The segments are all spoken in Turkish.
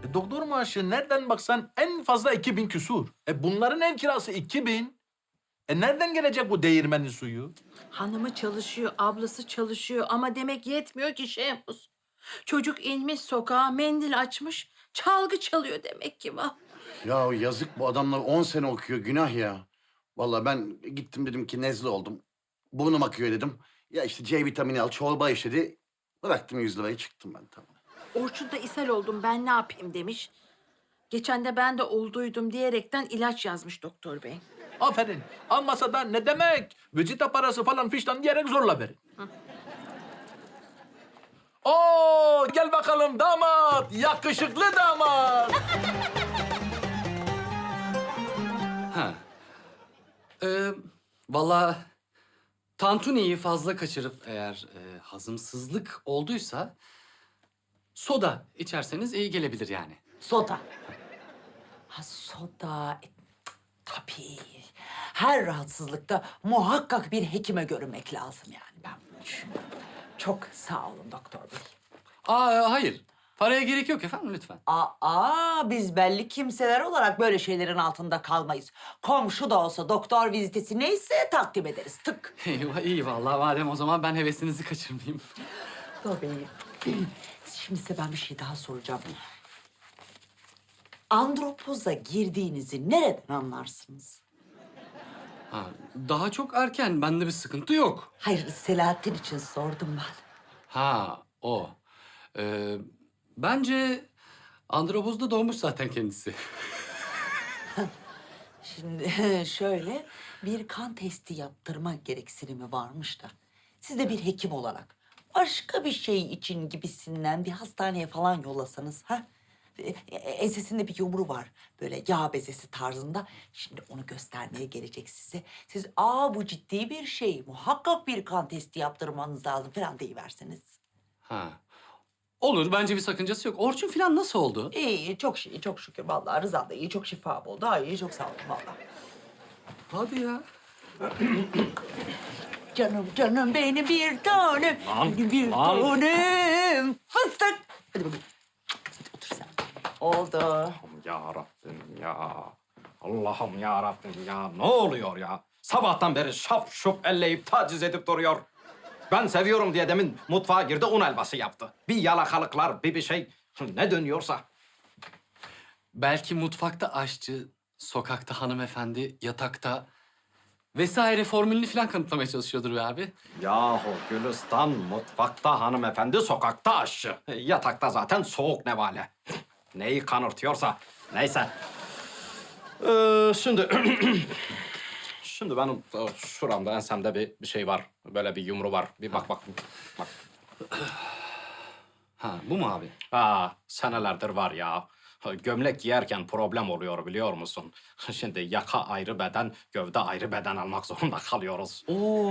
Doktor maaşı nereden baksan en fazla 2000 küsur. Bunların ev kirası 2000. Nereden gelecek bu değirmenin suyu? Hanımı çalışıyor, ablası çalışıyor ama demek yetmiyor ki Şehmuz. Çocuk inmiş sokağa, mendil açmış, çalgı çalıyor demek ki. Vah. Ya yazık bu adamlar 10 sene okuyor, günah ya. Vallahi ben gittim dedim ki nezle oldum. Burnum akıyor dedim. Ya işte C vitamini al, çorba iç dedi. Bıraktım 100 lirayı çıktım ben tamam. Orçun'da ishal oldum, ben ne yapayım demiş. Geçen de ben de olduydum diyerekten ilaç yazmış doktor bey. Aferin. Almasa da ne demek? Vizita parası falan fiştan diyerek zorla verin. Oo, gel bakalım damat. Yakışıklı damat. Ha. Vallahi tantuniyi fazla kaçırıp eğer hazımsızlık olduysa soda içerseniz iyi gelebilir yani. Soda. Ha soda. Tabii. Her rahatsızlıkta muhakkak bir hekime görünmek lazım yani. Ben bunu düşünüyorum. Çok sağ olun doktor bey. Hayır. Paraya gerek yok efendim lütfen. Biz belli kimseler olarak böyle şeylerin altında kalmayız. Komşu da olsa doktor vizitesi neyse takdim ederiz. Tık. Eyvah, iyi vallahi madem o zaman ben hevesinizi kaçırmayayım. Doktor bey. Şimdi size ben bir şey daha soracağım. Andropoza girdiğinizi nereden anlarsınız? Ha, daha çok erken. Bende bir sıkıntı yok. Hayır, Selahattin için sordum ben. Ha, o. Bence andropozda doğmuş zaten kendisi. Şimdi şöyle bir kan testi yaptırma gereksinimi varmış da. Siz de bir hekim olarak başka bir şey için gibisinden bir hastaneye falan yollasanız ha? Ensesinde bir yumru var. Böyle yağ bezesi tarzında. Şimdi onu göstermeye gelecek size. Siz bu ciddi bir şey. Muhakkak bir kan testi yaptırmanız lazım falan deyiverseniz. Ha. Olur, bence bir sakıncası yok. Orçun falan nasıl oldu? İyi, çok iyi, çok şükür. Vallahi Rıza da iyi, çok şifa buldu. İyi, çok sağ olun vallahi. Hadi ya. Canım benim bir tanem. Benim bir tanem. Fıstık. Hadi bakayım. Hadi otur sen. Oldu. Ya Rabbim ya. Allah'ım ya Rabbim ya. Ne oluyor ya? Sabahtan beri şap şup elleyip taciz edip duruyor. Ben seviyorum diye demin mutfağa girdi, un helvası yaptı. Bir yalakalıklar, bir şey. Ne dönüyorsa. Belki mutfakta aşçı, sokakta hanımefendi, yatakta vesaire formülünü falan kanıtlamaya çalışıyordur be abi. Yahu Gülistan mutfakta hanımefendi, sokakta aşçı. Yatakta zaten soğuk nevale. Neyi kanırtıyorsa. Neyse. Şimdi... Şimdi benim şuramda, ensemde bir şey var. Böyle bir yumru var. Bir bak. Bak. Ha, bu mu abi? Senelerdir var ya. Gömlek giyerken problem oluyor biliyor musun? Şimdi yaka ayrı beden, gövde ayrı beden almak zorunda kalıyoruz.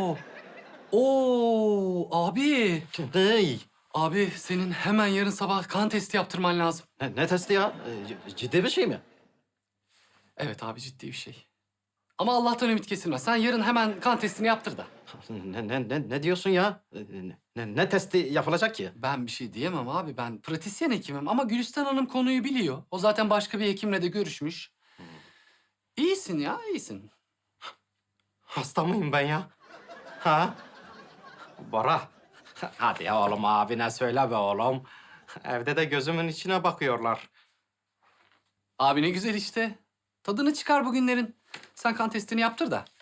Oo, abi. Hey! Abi senin hemen yarın sabah kan testi yaptırman lazım. Ne testi ya? Ciddi bir şey mi? Evet abi, ciddi bir şey. Ama Allah'tan ümit kesilmez. Sen yarın hemen kan testini yaptır da. Ne diyorsun ya? Ne testi yapılacak ki? Ben bir şey diyemem abi. Ben pratisyen hekimim ama Gülistan Hanım konuyu biliyor. O zaten başka bir hekimle de görüşmüş. İyisin ya, iyisin. Hasta mıyım ben ya? Ha? Bora. Hadi ya oğlum, abine söyle be oğlum. Evde de gözümün içine bakıyorlar. Abi ne güzel işte. Tadını çıkar bugünlerin. Sen kan testini yaptır da